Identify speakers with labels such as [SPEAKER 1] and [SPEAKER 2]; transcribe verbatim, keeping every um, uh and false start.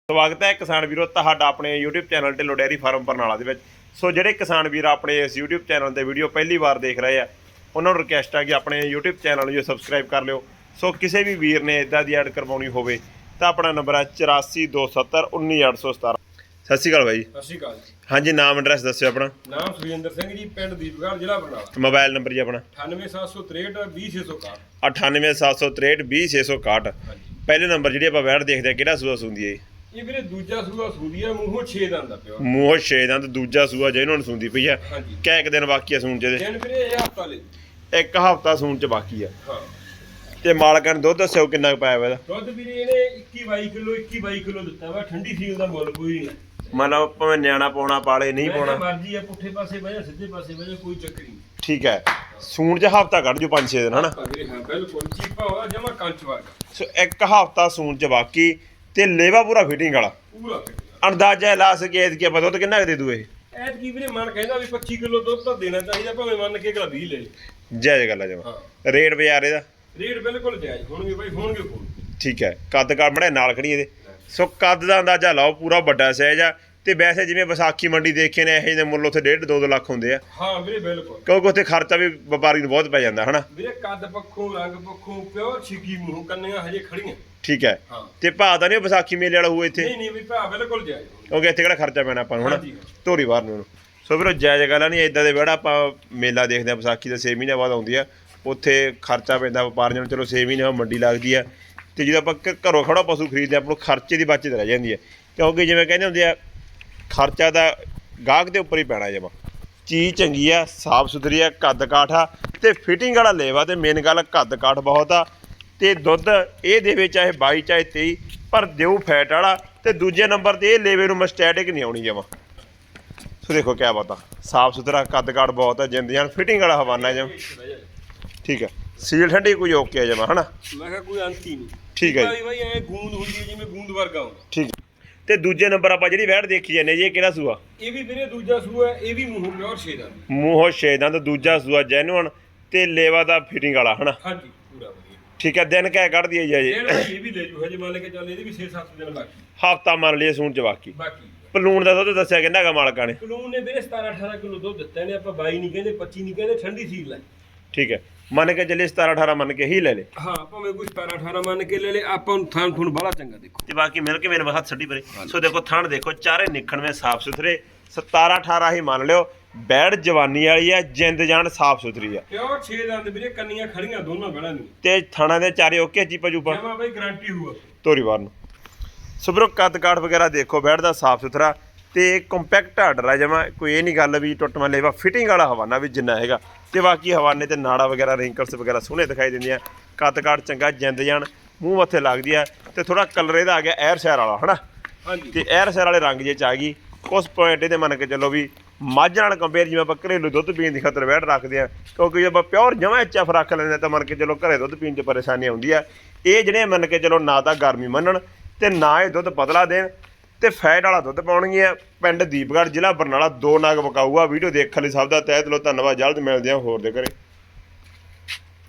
[SPEAKER 1] ਸਵਾਗਤ ਹੈ ਕਿਸਾਨ ਵੀਰੋ ਤੁਹਾਡਾ ਆਪਣੇ YouTube channel Dhillon dairy farm Barnala ਦੇ ਵਿੱਚ। ਸੋ ਜਿਹੜੇ ਕਿਸਾਨ ਵੀਰ ਆਪਣੇ ਇਸ YouTube ਚੈਨਲ ਤੇ ਵੀਡੀਓ ਪਹਿਲੀ ਵਾਰ ਦੇਖ ਰਹੇ ਆ ਉਹਨਾਂ ਨੂੰ ਰਿਕਵੈਸਟ ਹੈ ਕਿ ਆਪਣੇ YouTube ਚੈਨਲ ਨੂੰ ਸਬਸਕ੍ਰਾਈਬ ਕਰ ਲਿਓ। ਸੋ ਕਿਸੇ ਵੀ ਵੀਰ ਨੇ ਇਦਾਂ ਦੀ ਐਡ ਕਰਵਾਉਣੀ ਹੋਵੇ ਤਾਂ ਆਪਣਾ ਨੰਬਰ ਹੈ ਚੁਰਾਸੀ ਦੋ ਸੱਤਰ ਉੱਨੀ ਅੱਠ ਸੌ ਸਤਾਰਾਂ। ਸਤਿ ਸ਼੍ਰੀ ਅਕਾਲ ਬਾਈ।
[SPEAKER 2] ਸਤਿ ਸ਼੍ਰੀ ਅਕਾਲ ਜੀ।
[SPEAKER 1] ਹਾਂਜੀ, ਨਾਮ ਐਡਰੈਸ ਦੱਸਿਓ ਆਪਣਾ।
[SPEAKER 2] ਨਾਮ ਸੁਖਜਿੰਦਰ ਸਿੰਘ ਜੀ, ਪਿੰਡ ਦੀਪਗੜ੍ਹ, ਜ਼ਿਲ੍ਹਾ ਬਰਨਾਲਾ।
[SPEAKER 1] ਮੋਬਾਈਲ ਨੰਬਰ ਜੀ ਆਪਣਾ
[SPEAKER 2] ਅਠਾਨਵੇਂ ਸੱਤ ਸੌ ਤ੍ਰੇਹਠ ਵੀਹ ਛੇ ਸੌ ਇਕਾਹਠ।
[SPEAKER 1] ਅਠਾਨਵੇਂ ਸੱਤ ਸੌ ਤ੍ਰੇਹਠ ਵੀਹ ਛੇ ਸੌ ਇਕਾਹਠ। ਪਹਿਲੇ ਨੰਬਰ ਜਿਹੜੀ ਆਪਾਂ ਵੈੜ ਦੇਖਦੇ ਆ ਕਿਹੜਾ ਸੂਆ ਸੁੰਦੀ ਹੈ?
[SPEAKER 2] ਇਹ ਵੀਰੇ ਦੂਜਾ ਸੂਆ ਸੂਦੀ ਆ, ਮੂੰਹੋਂ ਛੇ ਦੰਦ ਦਾ ਪਿਆ।
[SPEAKER 1] ਮੂੰਹੋਂ ਛੇ ਦੰਦ ਦੂਜਾ ਸੂਆ ਜਿਹਨਾਂ ਨੂੰ ਸੁੰਦੀ ਪਈ ਆ।
[SPEAKER 2] ਹਾਂਜੀ।
[SPEAKER 1] ਕਿਆ ਇੱਕ ਦਿਨ ਬਾਕੀ ਆ ਸੂਣ ਚ?
[SPEAKER 2] ਦਿਨ ਵੀਰੇ ਇਹ ਹਫਤਾ ਲੈ
[SPEAKER 1] ਇੱਕ ਹਫਤਾ ਸੂਣ ਚ ਬਾਕੀ ਆ।
[SPEAKER 2] ਹਾਂ।
[SPEAKER 1] ਤੇ ਮਾਲਕਾਂ ਨੇ ਦੁੱਧ ਦੱਸਿਓ ਕਿੰਨਾ ਕੁ ਪਾਇਆ ਵਾ ਇਹਦਾ?
[SPEAKER 2] ਦੁੱਧ ਵੀਰੇ ਇਹਨੇ ਇੱਕੀ ਬਾਈ ਕਿਲੋ ਇੱਕੀ ਬਾਈ ਕਿਲੋ ਦਿੱਤਾ ਵਾ। ਠੰਡੀ ਸੀਲ ਦਾ ਮੁੱਲ ਕੋਈ ਨਹੀਂ।
[SPEAKER 1] ਮਤਲਬ ਭਾਵੇਂ ਨਿਆਣਾ ਪਾਉਣਾ ਪਾਲੇ ਨਹੀਂ ਪਾਉਣਾ
[SPEAKER 2] ਮਰਜ਼ੀ ਆ, ਪੁੱਠੇ ਪਾਸੇ ਵਜਾ ਸਿੱਧੇ ਪਾਸੇ ਵਜਾ ਕੋਈ ਚੱਕਰ ਨਹੀਂ।
[SPEAKER 1] ਠੀਕ ਹੈ। ਸੂਣ ਚ ਹਫਤਾ ਕੱਢ ਜੋ ਪੰਜ ਛੇ ਦਿਨ ਹਨਾ।
[SPEAKER 2] ਵੀਰੇ ਹਾਂ ਬਿਲਕੁਲ ਚੀਪਾ ਹੋਇਆ ਜਮਾ ਕੰਚ ਵਰਗਾ।
[SPEAKER 1] ਸੋ ਇੱਕ ਹਫਤਾ ਸੂਣ ਚ ਬਾਕੀ ਤੇ ਲੇਵਾ ਪੂਰਾ ਫਿਟਿੰਗ ਵਾਲਾ।
[SPEAKER 2] ਪੂਰਾ
[SPEAKER 1] ਅੰਦਾਜ਼ਾ ਲਾ ਸਕੇ ਕਿ ਆਪਾਂ ਦੁੱਧ ਕਿੰਨਾ ਕੁ ਦੇ ਦੂ ਇਹ?
[SPEAKER 2] ਐਤ ਕੀ ਵੀਰੇ ਮਨ ਕਹਿੰਦਾ ਵੀ ਪੱਚੀ ਕਿਲੋ ਦੁੱਧ ਤਾਂ ਦੇਣਾ ਚਾਹੀਦਾ, ਭਾਵੇਂ ਮੰਨ ਕੇ ਅਗਲਾ ਵੀਹ ਲੈ ਲੇ।
[SPEAKER 1] ਜਾਇਜ਼ ਗੱਲ ਆ ਜਮਾ। ਰੇਟ ਬਾਜ਼ਾਰ ਇਹਦਾ?
[SPEAKER 2] ਰੇਟ ਬਿਲਕੁਲ ਜਾਇਜ਼ ਹੋਣਗੇ ਬਾਈ, ਹੋਣਗੇ ਕੋਲ।
[SPEAKER 1] ਠੀਕ ਹੈ। ਕੱਦ ਕਾਠ ਬੜਾ ਨਾਲ ਖੜੀ ਇਹਦੇ। ਸੋ ਕੱਦ ਦਾ ਅੰਦਾਜ਼ਾ ਲਾਓ, ਪੂਰਾ ਵੱਡਾ ਸਾਈਜ਼ ਆ। ਤੇ ਵੈਸੇ ਜਿਵੇਂ ਵਿਸਾਖੀ ਮੰਡੀ ਦੇਖੇ ਨੇ ਇਹੋ ਜਿਹੇ ਮੁੱਲ ਉੱਥੇ ਡੇਢ ਦੋ ਦੋ ਲੱਖ ਹੁੰਦੇ ਆ।
[SPEAKER 2] ਹਾਂ ਵੀਰੇ ਬਿਲਕੁਲ।
[SPEAKER 1] ਕਿਉਂਕਿ ਉੱਥੇ ਖਰਚਾ ਵੀ ਵਪਾਰੀ ਨੂੰ ਬਹੁਤ ਪੈ ਜਾਂਦਾ ਹਨਾ।
[SPEAKER 2] ਵੀਰੇ ਕੱਦ ਪੱਖੋਂ ਰੰਗ ਪੱਖੋਂ ਪਿਓਰ ਛਿੱਗੀ ਮੂੰਹ ਕੰਨੀਆਂ ਹਜੇ ਖੜੀਆਂ।
[SPEAKER 1] ਠੀਕ ਹੈ।
[SPEAKER 2] ਹਾਂ।
[SPEAKER 1] ਤੇ ਭਾਅ ਤਾਂ ਨਹੀਂ ਵਿਸਾਖੀ ਮੇਲੇ ਵਾਲਾ ਹੋਊ ਇੱਥੇ?
[SPEAKER 2] ਨਹੀਂ ਨਹੀਂ ਵੀ ਭਾ ਬਿਲਕੁਲ ਜਾਇਜ਼।
[SPEAKER 1] ਕਿਉਂਕਿ ਇੱਥੇ ਕਿਹੜਾ ਖਰਚਾ ਪੈਣਾ ਆਪਾਂ ਨੂੰ ਹਨਾ ਧੋਰੀ ਬਾਹਰ ਨੂੰ। ਸੋ ਵੀਰੋ ਜਾਇਜ਼ ਗੱਲ ਨਹੀਂ। ਇਦਾਂ ਦੇ ਵਿਹੜਾ ਆਪਾਂ ਮੇਲਾ ਦੇਖਦੇ ਆ ਵਿਸਾਖੀ ਦਾ ਛੇ ਮਹੀਨੇ ਬਾਅਦ ਆਉਂਦੀ ਆ। ਉੱਥੇ ਖਰਚਾ ਪੈਂਦਾ ਵਪਾਰੀਆਂ ਨੂੰ। ਚਲੋ ਛੇ ਮਹੀਨੇ ਮੰਡੀ ਲੱਗਦੀ ਆ ਤੇ ਜਦੋਂ ਆਪਾਂ ਘਰੋਂ ਖੜਾ ਪਸ਼ੂ ਖਰੀਦਦੇ ਆਪਾਂ ਨੂੰ ਖਰਚੇ ਦੀ ਬਚਤ ਰਹਿ ਜਾਂਦੀ ਹੈ। ਕਿਉਂਕਿ ਜਿਵੇਂ ਕਹਿੰਦੇ ਹੁੰਦੇ ਆ ਖਰਚਾ ਤਾਂ ਗਾਹਕ ਦੇ ਉੱਪਰ ਹੀ ਪੈਣਾ। ਜਮਾ ਚੀਜ਼ ਚੰਗੀ ਆ, ਸਾਫ ਸੁਥਰੀ ਆ, ਕੱਦ ਕਾਠ ਆ ਤੇ ਫਿਟਿੰਗ ਵਾਲਾ ਲੇਵਾ। ਤੇ ਮੇਨ ਗੱਲ ਕੱਦ ਕਾਠ ਬਹੁਤ ਆ ਤੇ ਦੁੱਧ ਇਹ ਦੇਵੇ ਚਾਹੇ ਬਾਈ ਚਾਹੇ ਤੇਈ, ਪਰ ਦਿਓ ਫੈਟ ਵਾਲਾ। ਤੇ ਦੂਜੇ ਨੰਬਰ ਤੇ ਇਹ ਲੇਵੇ ਨੂੰ ਮਸਟੈਟਿਕ ਨਹੀਂ ਆਉਣੀ ਜਮਾ। ਸੋ ਦੇਖੋ ਕਿਆ ਬਾਤ ਆ, ਸਾਫ ਸੁਥਰਾ ਕੱਦ ਕਾਠ ਬਹੁਤ ਆ, ਜਿੰਦ ਜਾਨ ਫਿਟਿੰਗ ਵਾਲਾ ਹਵਾਨਾ ਜਮਾ। ਠੀਕ ਹੈ। ਸੀਲ ਠੰਡੀ ਕੋਈ ਓਕੇ ਆ ਜਮਾ ਹਨਾ।
[SPEAKER 2] ਮੈਂ ਕਿਹਾ ਕੋਈ ਅੰਤ ਹੀ ਨਹੀਂ।
[SPEAKER 1] ਠੀਕ ਹੈ ਜੀ।
[SPEAKER 2] ਬਾਈ ਐ ਗੂੰਦ ਹੁੰਦੀ ਹੈ ਜਿਵੇਂ ਗੂੰਦ ਵਰਗਾ ਹੁੰਦਾ।
[SPEAKER 1] ਠੀਕ। ਤੇ ਦੂਜੇ ਨੰਬਰ ਆਪਾਂ ਜਿਹੜੀ ਵੈੜ ਦੇਖੀ ਜਾਂਦੇ ਜੀ, ਇਹ ਕਿਹੜਾ ਸੂਆ?
[SPEAKER 2] ਇਹ ਵੀ ਵੀਰੇ ਦੂਜਾ ਸੂਆ, ਇਹ ਵੀ ਮੂੰਹੋਂ ਪਿਓਰ ਛੇ ਦੰਦ।
[SPEAKER 1] ਮੂੰਹੋਂ ਛੇ ਦੰਦ ਦੂਜਾ ਸੂਆ ਜੈਨੂਅਨ ਤੇ ਲੇਵਾ ਦਾ ਫਿਟਿੰਗ ਵਾਲਾ ਹਨਾ।
[SPEAKER 2] ਹਾਂਜੀ ਪੂਰਾ ਵਧੀਆ।
[SPEAKER 1] ਠੀਕ ਹੈ। ਦਿਨ ਕਹਿ ਕੱਢਦੀ ਹੈ ਜੀ ਅਜੇ?
[SPEAKER 2] ਇਹ ਵੀ ਲੈ ਜੂ ਹਜੇ ਮੰਨ ਕੇ ਚੱਲ, ਇਹਦੇ ਵੀ ਛੇ ਸੱਤ ਦਿਨ ਬਾਕੀ।
[SPEAKER 1] ਹਫਤਾ ਮੰਨ ਲਈਏ ਸੂਣ ਚ ਬਾਕੀ।
[SPEAKER 2] ਬਾਕੀ
[SPEAKER 1] ਪਲੂਣ ਦਾ ਦੁੱਧ ਦੱਸਿਆ ਕਿੰਨਾ ਗਾ ਮਾਲਕਾਂ ਨੇ?
[SPEAKER 2] ਪਲੂਣ ਨੇ ਵੀਰੇ ਸਤਾਰਾਂ ਅਠਾਰਾਂ ਕਿਲੋ ਦੁੱਧ ਦਿੱਤਾ ਨੇ। ਆਪਾਂ ਬਾਈ ਨਹੀਂ ਕਹਿੰਦੇ, ਪੱਚੀ ਨਹੀਂ ਕਹਿੰਦੇ, ਠੰਡੀ ਸੀਲ ਲੈ।
[SPEAKER 1] ਠੀਕ ਹੈ। ਮੰਨ ਕੇ ਚੱਲੇ ਸਤਾਰਾਂ ਅਠਾਰਾਂ ਮੰਨ ਕੇ ਹੀ ਲੈ ਲੇ।
[SPEAKER 2] ਹਾਂ ਭਾਵੇਂ ਕੋਈ ਸਤਾਰਾਂ ਅਠਾਰਾਂ ਮੰਨ ਕੇ ਲੈ ਲੇ। ਆਪਾਂ ਨੂੰ ਥਾਂ ਥੁਣ ਬੜਾ ਚੰਗਾ ਦੇਖੋ।
[SPEAKER 1] ਤੇ ਬਾਕੀ ਮਿਲ ਕੇ ਮੇਰੇ ਹੱਥ ਛੱਡੀ ਪਰੇ। ਸੋ ਦੇਖੋ ਥਣ ਦੇਖੋ, ਚਾਰੇ ਨਿਖਣਵੇਂ ਸਾਫ ਸੁਥਰੇ। ਸਤਾਰਾਂ ਅਠਾਰਾਂ ਹੀ ਮੰਨ ਲਿਓ। ਬੈੜ ਜਵਾਨੀ ਵਾਲੀ ਆ, ਜਿੰਦ ਜਾਨ ਸਾਫ ਸੁਥਰੀ ਆ।
[SPEAKER 2] ਪਿਓਰ ਛੇ ਦੰਦ ਵੀਰੇ, ਕੰਨੀਆਂ ਖੜੀਆਂ ਦੋਨਾਂ ਬੈੜਾਂ ਦੀਆਂ।
[SPEAKER 1] ਤੇ ਥਣਾ ਦੇ ਚਾਰੇ ਓਕੇ ਚੀਪਾ ਚੂਪਾ
[SPEAKER 2] ਜਮਾ ਬਾਈ ਗਾਰੰਟੀ ਹੋਊਗਾ
[SPEAKER 1] ਤੋਰੀ ਵਾਰ ਨੂੰ। ਸੋ ਵੀਰੋ ਕੱਦ ਕਾਠ ਵਗੈਰਾ ਦੇਖੋ ਬੈੜ ਦਾ ਸਾਫ ਸੁਥਰਾ ਤੇ ਕੰਪੈਕਟ ਆਰਡਰ ਆ ਜਮਾ। ਕੋਈ ਇਹ ਨਹੀਂ ਗੱਲ ਵੀ ਟੁੱਟਵਾਂ ਲੇਵਾ। ਫਿਟਿੰਗ ਵਾਲਾ ਹਵਾਨਾ ਵੀ ਜਿੰਨਾ ਹੈਗਾ। ਤੇ ਬਾਕੀ ਹਵਾਨੇ ਤੇ ਨਾੜਾ ਵਗੈਰਾ ਰਿੰਕਲਸ ਵਗੈਰਾ ਸੋਹਣੇ ਦਿਖਾਈ ਦਿੰਦੀਆਂ। ਕੱਦ ਕਾਠ ਚੰਗਾ, ਜਿੰਦ ਜਾਨ ਮੂੰਹ ਮੱਥੇ ਲੱਗਦੀ ਆ। ਤੇ ਥੋੜਾ ਕਲਰ ਇਹਦਾ ਆ ਗਿਆ ਐਰ ਸ਼ਹਿਰ ਵਾਲਾ ਹਨਾ।
[SPEAKER 2] ਹਾਂਜੀ।
[SPEAKER 1] ਤੇ ਐਰ ਸ਼ਹਿਰ ਵਾਲੇ ਰੰਗ ਜੇ ਚ ਆ ਗਈ। ਉਸ ਪੁਆਇੰਟ ਇਹਦੇ ਮੰਨ ਕੇ ਚੱਲੋ ਵੀ ਮੱਝ ਨਾਲ ਕੰਪੇਅਰ ਜਿਵੇਂ ਆਪਾਂ ਘਰੇਲੂ ਦੁੱਧ ਪੀਣ ਦੀ ਖਾਤਰ ਵੈੜ ਰੱਖਦੇ ਆ, ਕਿਉਂਕਿ ਜੇ ਆਪਾਂ ਪਿਓਰ ਜਮਾਂ ਐਚ ਐਫ ਰੱਖ ਲੈਂਦੇ ਤਾਂ ਮੰਨ ਕੇ ਚਲੋ ਘਰੇ ਦੁੱਧ ਪੀਣ 'ਚ ਪਰੇਸ਼ਾਨੀ ਆਉਂਦੀ ਆ। ਇਹ ਜਿਹੜੇ ਮੰਨ ਕੇ ਚਲੋ ਨਾ ਤਾਂ ਗਰਮੀ ਮੰਨਣ ਤੇ ਨਾ ਇਹ ਦੁੱਧ ਪਤਲਾ ਦੇਣ ਤੇ ਫੈਟ ਵਾਲਾ ਦੁੱਧ ਪਾਉਣਗੀਆਂ। ਪਿੰਡ ਦੀਪਗੜ੍ਹ, ਜ਼ਿਲ੍ਹਾ ਬਰਨਾਲਾ। ਦੋ ਨਾਗ ਵਿਕਾਊ ਆ। ਵੀਡੀਓ ਦੇਖਣ ਲਈ ਸਭ ਦਾ ਤਹਿ ਦਿਲੋਂ ਧੰਨਵਾਦ। ਜਲਦ ਮਿਲਦੇ ਹਾਂ ਹੋਰ ਦੇ ਘਰੇ।